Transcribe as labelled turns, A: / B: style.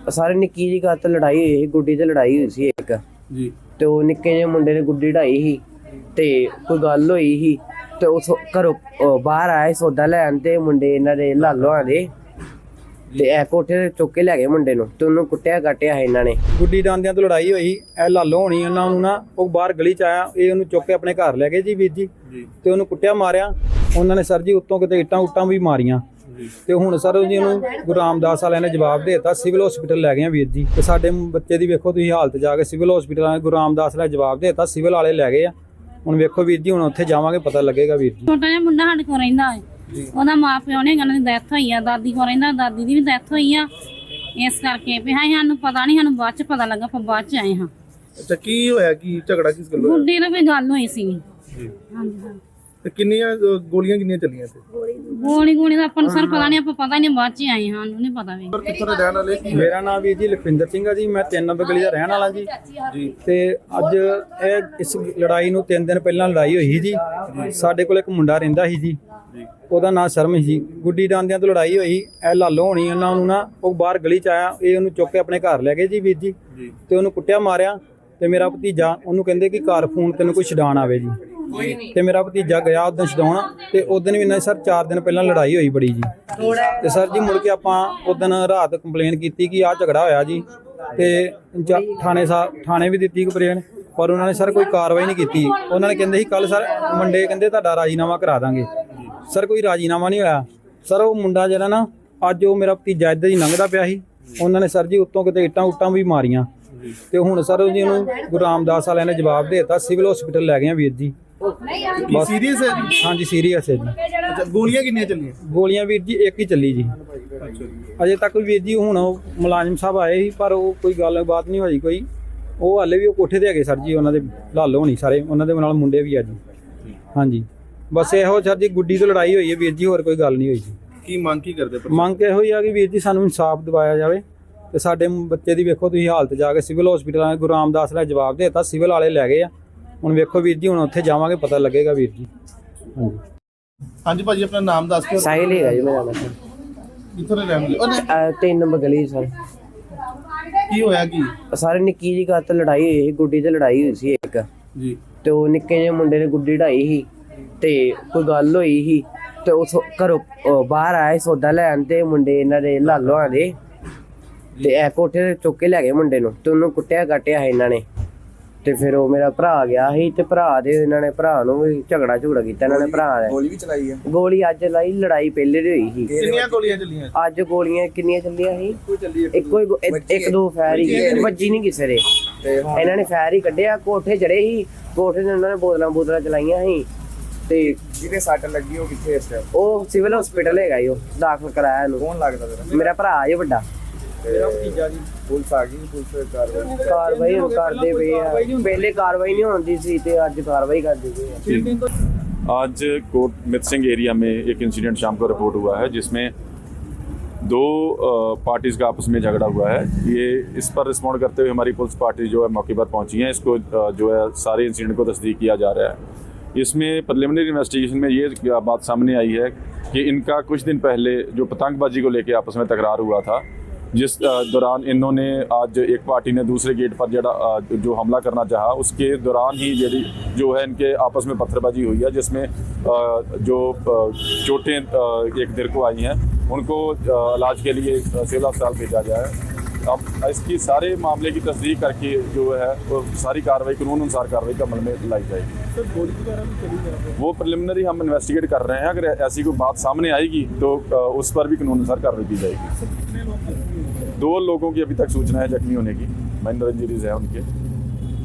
A: ਸਾਰੇ ਨਿੱਕੀ ਜਿਹੀ ਗੱਲ ਤੇ ਲੜਾਈ ਹੋਈ ਸੀ, ਗੁੱਡੀ ਤੇ ਲੜਾਈ ਹੋਈ ਸੀ ਇੱਕ
B: ਜੀ।
A: ਤੇ ਉਹ ਨਿੱਕੇ ਜਿਹੇ ਮੁੰਡੇ ਨੇ ਗੁੱਡੀ ਢਾਈ ਸੀ ਤੇ ਕੋਈ ਗੱਲ ਹੋਈ ਸੀ ਤੇ ਉਸ ਘਰੋਂ ਬਾਹਰ ਆਏ ਸੌਦਾ ਲੈਣ ਤੇ ਮੁੰਡੇ ਇਹਨਾਂ ਦੇ ਲਾਲੋਆਂ ਦੇ ਤੇ ਇਹ ਕੋਠੇ ਤੇ ਚੁੱਕ ਕੇ ਲੈ ਗਏ ਮੁੰਡੇ ਨੂੰ ਤੇ ਉਹਨੂੰ ਕੁੱਟਿਆ ਕਾਟਿਆ ਹੈ ਇਹਨਾਂ ਨੇ।
B: ਗੁੱਡੀ ਡਾਂਦਿਆਂ ਤੋਂ ਲੜਾਈ ਹੋਈ, ਇਹ ਲਾਲੋ ਹੋਣੀ ਉਹਨਾਂ ਨੂੰ ਨਾ, ਉਹ ਬਾਹਰ ਗਲੀ ਚ ਆਇਆ, ਇਹ ਉਹਨੂੰ ਚੁੱਕ ਕੇ ਆਪਣੇ ਘਰ ਲੈ ਗਏ ਜੀ ਵੀਰ ਜੀ ਤੇ ਉਹਨੂੰ ਕੁੱਟਿਆ ਮਾਰਿਆ ਉਹਨਾਂ ਨੇ ਸਰ ਜੀ, ਉੱਤੋਂ ਕਿਤੇ ਇੱਟਾਂ ਉੱਟਾਂ ਵੀ ਮਾਰੀਆਂ ਤੇ ਹੁਣ ਸਰ ਜੀ ਉਹਨੂੰ ਗੁਰੂ ਰਾਮਦਾਸ ਵਾਲਿਆਂ ਨੇ ਜਵਾਬ ਦੇ ਦਿੱਤਾ, ਸਿਵਲ ਹਸਪੀਟਲ ਲੈ ਗਏ ਆ ਵੀਰ ਜੀ। ਤੇ ਸਾਡੇ ਬੱਚੇ ਦੀ ਵੇਖੋ ਤੁਸੀਂ ਹਾਲਤ, ਜਾ ਕੇ ਸਿਵਲ ਹਸਪੀਟਲ ਵਾਲੇ ਗੁਰੂ ਰਾਮਦਾਸ ਵਾਲਿਆਂ ਜਵਾਬ ਦੇ ਦਿੱਤਾ, ਸਿਵਲ ਵਾਲੇ ਲੈ ਗਏ ਆ। ਹੁਣ ਵੇਖੋ ਵੀਰ ਜੀ, ਹੁਣ ਉੱਥੇ ਜਾਵਾਂਗੇ ਪਤਾ ਲੱਗੇਗਾ ਵੀਰ ਜੀ।
C: ਛੋਟਾ ਜਿਹਾ ਮੁੰਡਾ ਸਾਡੇ ਕੋਲ ਰਹਿੰਦਾ ਹੈ, ਉਹਦਾ ਮਾਂ ਪਿਓ ਨੇ ਉਹਨਾਂ ਦੀ ਡੈਥ ਹੋਈ ਆ, ਦਾਦੀ ਕੋਲ ਰਹਿੰਦਾ, ਦਾਦੀ ਦੀ ਵੀ ਡੈਥ ਹੋਈ ਆ। ਇਸ ਕਰਕੇ ਵੀ ਸਾਨੂੰ ਪਤਾ ਨਹੀਂ, ਸਾਨੂੰ ਬਾਅਦ ਚ ਪਤਾ ਲੱਗਾ, ਆਪਾਂ ਬਾਅਦ ਚ ਆਏ ਹਾਂ।
D: ਅੱਛਾ, ਕੀ ਹੋਇਆ, ਕੀ ਝਗੜਾ ਕਿਸ ਗੱਲੋਂ ਹੋਇਆ?
C: ਗੁੱਡੀ ਨਾਲ ਕੋਈ ਗੱਲ ਹੋਈ ਸੀ।
D: ਜੀ।
C: ਹਾਂਜੀ ਹਾਂ।
D: ਤੇ ਕਿੰਨੀਆਂ ਗੋਲੀਆਂ ਕਿੰਨੀਆਂ ਚੱਲੀਆਂ ਤੇ?
C: ਗੋਲੀ ਦਾ ਆਪਾਂ ਨੂੰ ਸਰ ਪਤਾ ਨਹੀਂ, ਆਪਾਂ ਪਤਾ ਨਹੀਂ, ਬਾਅਦ ਚ ਆਏ ਹਾਂ, ਸਾਨੂੰ ਨਹੀਂ ਪਤਾ ਵੀ।
D: ਪਰ ਕਿੱਥੋਂ ਦੇ ਰਹਿਣ ਵਾਲੇ?
B: ਮੇਰਾ ਨਾਮ ਵੀਰ ਜੀ ਲਖਵਿੰਦਰ ਸਿੰਘ ਆ ਜੀ, ਮੈਂ 3 ਨੰਬਰ ਗਲੀ ਦਾ ਰਹਿਣ ਵਾਲਾ ਜੀ।
D: ਜੀ।
B: ਤੇ ਅੱਜ ਇਹ ਇਸ ਲੜਾਈ ਨੂੰ 3 ਦਿਨ ਪਹਿਲਾਂ ਲੜਾਈ ਹੋਈ ਸੀ ਜੀ। ਸਾਡੇ ਕੋਲ ਇੱਕ ਮੁੰਡਾ ਰਹਿੰਦਾ ਸੀ ਜੀ, ਉਹਦਾ ਨਾਂ ਸ਼ਰਮ ਸੀ। ਗੁੱਡੀ ਡਾਂਦਿਆਂ ਤੋਂ ਲੜਾਈ ਹੋਈ, ਇਹ ਲਾਲੋ ਹੋਣੀ ਉਹਨਾਂ ਨੂੰ ਨਾ, ਉਹ ਬਾਹਰ ਗਲੀ ਚ ਆਇਆ, ਇਹ ਉਹਨੂੰ ਚੁੱਕ ਕੇ ਆਪਣੇ ਘਰ ਲੈ ਗਏ ਜੀ ਵੀਰ ਜੀ ਤੇ ਉਹਨੂੰ ਕੁੱਟਿਆ ਮਾਰਿਆ। ਤੇ ਮੇਰਾ ਭਤੀਜਾ, ਉਹਨੂੰ ਕਹਿੰਦੇ ਕਿ ਘਰ ਫੋਨ ਤੈਨੂੰ ਕੋਈ ਛਡਾਣ ਆਵੇ ਜੀ, ਤੇ ਮੇਰਾ ਭਤੀਜਾ ਗਿਆ ਉਦੋਂ ਛਡਾਉਣ ਤੇ ਉਦੋਂ ਵੀ ਇਹਨਾਂ ਸਰ 4 ਦਿਨ ਪਹਿਲਾਂ ਲੜਾਈ ਹੋਈ ਬੜੀ ਜੀ। ਤੇ ਸਰ ਜੀ ਮੁੜ ਕੇ ਆਪਾਂ ਉਦੋਂ ਰਾਤ ਕੰਪਲੇਨ ਕੀਤੀ ਕਿ ਆਹ ਝਗੜਾ ਹੋਇਆ ਜੀ, ਤੇ ਥਾਣੇ ਵੀ ਦਿੱਤੀ ਕੰਪਲੇਨ, ਪਰ ਉਹਨਾਂ ਨੇ ਸਰ ਕੋਈ ਕਾਰਵਾਈ ਨਹੀਂ ਕੀਤੀ। ਉਹਨਾਂ ਨੇ ਕਹਿੰਦੇ ਸੀ ਕੱਲ ਸਰ ਮੰਡੇ ਕਹਿੰਦੇ ਤੁਹਾਡਾ ਰਾਜੀਨਾਮਾ ਕਰਾ ਦਾਂਗੇ, ਸਰ ਕੋਈ ਰਾਜੀਨਾਮਾ ਨਹੀਂ ਹੋਇਆ। ਸਰ ਉਹ ਮੁੰਡਾ ਜਿਹੜਾ ਨਾ, ਅੱਜ ਉਹ ਮੇਰਾ ਭਤੀਜਾ ਇੱਧਰ ਹੀ ਲੰਘਦਾ ਪਿਆ ਸੀ, ਉਹਨਾਂ ਨੇ ਸਰ ਜੀ ਉੱਤੋਂ ਕਿਤੇ ਇੱਟਾਂ ਉੱਟਾਂ ਵੀ ਮਾਰੀਆਂ ਤੇ ਹੁਣ ਸਰ ਜੀ ਉਹਨੂੰ ਗੁਰੂ ਰਾਮਦਾਸ ਵਾਲਿਆਂ ਨੇ ਜਵਾਬ ਦੇ ਦਿੱਤਾ, ਸਿਵਲ ਹਸਪੀਟਲ ਲੈ ਗਏ ਆ ਵੀਰ ਜੀ।
D: ਬਸ ਸੀਰੀਅਸ ਹੈ ਜੀ?
B: ਹਾਂਜੀ ਸੀਰੀਅਸ ਹੈ ਜੀ।
D: ਅੱਛਾ, ਗੋਲੀਆਂ ਕਿੰਨੀਆਂ ਚੱਲੀਆਂ?
B: ਗੋਲੀਆਂ ਵੀਰ ਜੀ ਇੱਕ ਹੀ ਚੱਲੀ ਜੀ ਅਜੇ ਤੱਕ ਵੀਰ ਜੀ। ਹੁਣ ਉਹ ਮੁਲਾਜ਼ਮ ਸਾਹਿਬ ਆਏ ਸੀ ਪਰ ਉਹ ਕੋਈ ਗੱਲਬਾਤ ਨਹੀਂ ਹੋਈ ਕੋਈ, ਉਹ ਹਾਲੇ ਵੀ ਉਹ ਕੋਠੇ ਤੇ ਹੈਗੇ ਸਰ ਜੀ, ਉਹਨਾਂ ਦੇ ਲਾਲੋ ਹੋਣੀ ਸਾਰੇ, ਉਹਨਾਂ ਦੇ ਨਾਲ ਮੁੰਡੇ ਵੀ ਆ ਜੀ। ਹਾਂਜੀ ਬਸ ਇਹੋ ਸਰ ਜੀ, ਗੁੱਡੀ ਤੋਂ ਲੜਾਈ ਹੋਈ ਹੈ ਵੀਰ ਜੀ, ਹੋਰ ਕੋਈ ਗੱਲ ਨਹੀਂ ਹੋਈ ਜੀ।
D: ਕੀ ਮੰਗ ਕੀ ਕਰਦੇ?
B: ਮੰਗ ਇਹੋ ਹੀ ਆ ਕਿ ਵੀਰ ਜੀ ਸਾਨੂੰ ਇਨਸਾਫ ਦਿਵਾਇਆ ਜਾਵੇ ਤੇ ਸਾਡੇ ਬੱਚੇ ਦੀ ਵੇਖੋ ਤੁਸੀਂ ਹਾਲਤ, ਜਾ ਕੇ ਸਿਵਲ ਹਸਪੀਟਲ ਵਾਲੇ ਗੁਰੂ ਰਾਮਦਾਸ ਵਾਲਿਆਂ ਜਵਾਬ ਦੇ ਦਿੱਤਾ, ਸਿਵਲ ਵਾਲੇ ਲੈ ਗਏ ਆ। ਹੁਣ ਵੇਖੋ ਵੀਰ ਜੀ, ਹੁਣ ਉੱਥੇ ਜਾਵਾਂਗੇ ਪਤਾ ਲੱਗੇਗਾ ਵੀਰ ਜੀ। ਹਾਂਜੀ
D: ਹਾਂਜੀ ਭਾਜੀ, ਆਪਣਾ ਨਾਮ ਦੱਸ ਕੇ।
A: ਸਾਹਿਲ ਹੈਗਾ ਜੀ ਮੇਰਾ ਨਾਮ।
D: ਕਿੱਥੋਂ ਦੇ ਰਹਿਣ ਵਾਲੇ?
A: 3 ਨੰਬਰ ਗਲੀ ਸਰ।
D: ਕੀ ਹੋਇਆ ਕੀ?
A: ਸਾਰੇ ਨਿੱਕੀ ਜਿਹੀ ਗੱਲ ਤੇ ਲੜਾਈ ਹੋਈ ਸੀ, ਗੁੱਡੀ ਤੇ ਲੜਾਈ ਹੋਈ ਸੀ ਇੱਕ
D: ਜੀ।
A: ਤੇ ਉਹ ਨਿੱਕੇ ਜਿਹੇ ਮੁੰਡੇ ਨੇ ਗੁੱਡੀ ਢਾਈ ਸੀ ਤੇ ਕੋਈ ਗੱਲ ਹੋਈ ਸੀ ਤੇ ਉਸ ਘਰੋਂ ਬਾਹਰ ਆਏ ਸੌਦਾ ਲੈਣ ਤੇ ਮੁੰਡੇ ਇਹਨਾਂ ਦੇ ਲਾਲੋਆਂ ਦੇ ਤੇ ਇਹ ਕੋਠੇ ਤੇ ਚੁੱਕ ਕੇ ਲੈ ਗਏ ਮੁੰਡੇ ਨੂੰ ਤੇ ਉਹਨੂੰ ਕੁੱਟਿਆ ਕਾਟਿਆ ਹੈ ਇਹਨਾਂ ਨੇ। ਤੇ ਫਿਰ ਉਹ ਮੇਰਾ ਭਰਾ ਗਿਆ ਸੀ ਤੇ ਭਰਾ ਦੇ ਇਹਨਾਂ ਨੇ ਭਰਾ ਨੂੰ ਵੀ ਝਗੜਾ ਕੀਤਾ ਇਹਨਾਂ ਨੇ। ਭਰਾ ਨੇ
D: ਗੋਲੀ ਵੀ ਚਲਾਈ ਹੈ?
A: ਗੋਲੀ ਅੱਜ ਲਾਈ, ਲੜਾਈ ਪਹਿਲੇ ਦੀ ਹੋਈ ਸੀ।
D: ਕਿੰਨੀਆਂ ਗੋਲੀਆਂ ਚੱਲੀਆਂ?
A: ਅੱਜ ਗੋਲੀਆਂ ਕਿੰਨੀਆਂ ਚੱਲੀਆਂ ਸੀ? ਇੱਕੋ ਹੀ ਇੱਕ ਦੋ ਫਾਇਰ ਹੀ, ਵੱਜੀ ਨਹੀਂ ਕਿਸੇ ਦੇ। ਇਹਨਾਂ ਨੇ ਫਾਇਰ ਹੀ ਕੱਢਿਆ, ਕੋਠੇ ਚੜੇ ਸੀ, ਕੋਠੇ ਤੇ ਉਹਨਾਂ ਨੇ ਬੋਤਲਾਂ ਚਲਾਈਆਂ ਸੀ। ਤੇ
D: ਜਿਹਦੇ ਸੱਟ ਲੱਗੀ ਉਹ ਕਿੱਥੇ ਇਸ ਟਾਈਮ?
A: ਉਹ ਸਿਵਲ ਹਸਪੀਟਲ ਹੈਗਾ ਜੀ, ਉਹ ਦਾਖਲ ਕਰਾਇਆ ਇਹਨੂੰ।
D: ਕੌਣ ਲੱਗਦਾ ਤੇਰਾ?
A: ਮੇਰਾ ਭਰਾ ਹੈ ਵੱਡਾ।
B: ਮੇਰਾ ਭਤੀਜਾ ਜੀ।
D: ਪੁਲਿਸ ਆ ਗਈ? ਪੁਲਿਸ
A: ਕਾਰਵਾਈ ਹੁਣ ਕਰਦੇ ਪਏ ਆ, ਪਹਿਲੇ ਕਾਰਵਾਈ नहीं होती थी तो आज कार्रवाई कर दी गई है।
E: आज कोट मित सिंह एरिया में एक इंसिडेंट शाम को रिपोर्ट हुआ है जिसमें 2 पार्टीज़ का आपस में झगड़ा हुआ है। ये इस पर रिस्पॉन्ड करते हुए हमारी पुलिस पार्टी जो है मौके पर पहुंची है, इसको जो है सारे इंसिडेंट को तस्दीक किया जा रहा है। इसमें प्रिलिमिनरी इन्वेस्टिगेशन में ये बात सामने आई है कि इनका कुछ दिन पहले जो पतंगबाजी को लेकर आपस में तकरार हुआ था, जिस दौरान इन्होंने आज एक पार्टी ने दूसरे गेट पर जो हमला करना चाहा, उसके दौरान ही जो है इनके आपस में पत्थरबाजी हुई है, जिसमें जो चोटें एक देर को आई हैं उनको इलाज के लिए सिविल अस्पताल भेजा गया है। अब इसकी सारे मामले की तस्दीक करके जो है वो सारी कार्रवाई कानून अनुसार कार्रवाई का अमल में लाई जाएगी।
D: सर, गोली वगैरह भी चली है?
E: वो प्रिलिमिनरी हम इन्वेस्टिगेट कर रहे हैं, अगर ऐसी कोई बात सामने आएगी तो उस पर भी कानून अनुसार कार्रवाई की जाएगी। 2 लोगों की अभी तक सूचना है जख्मी होने की, माइनर इंजरीज है उनके।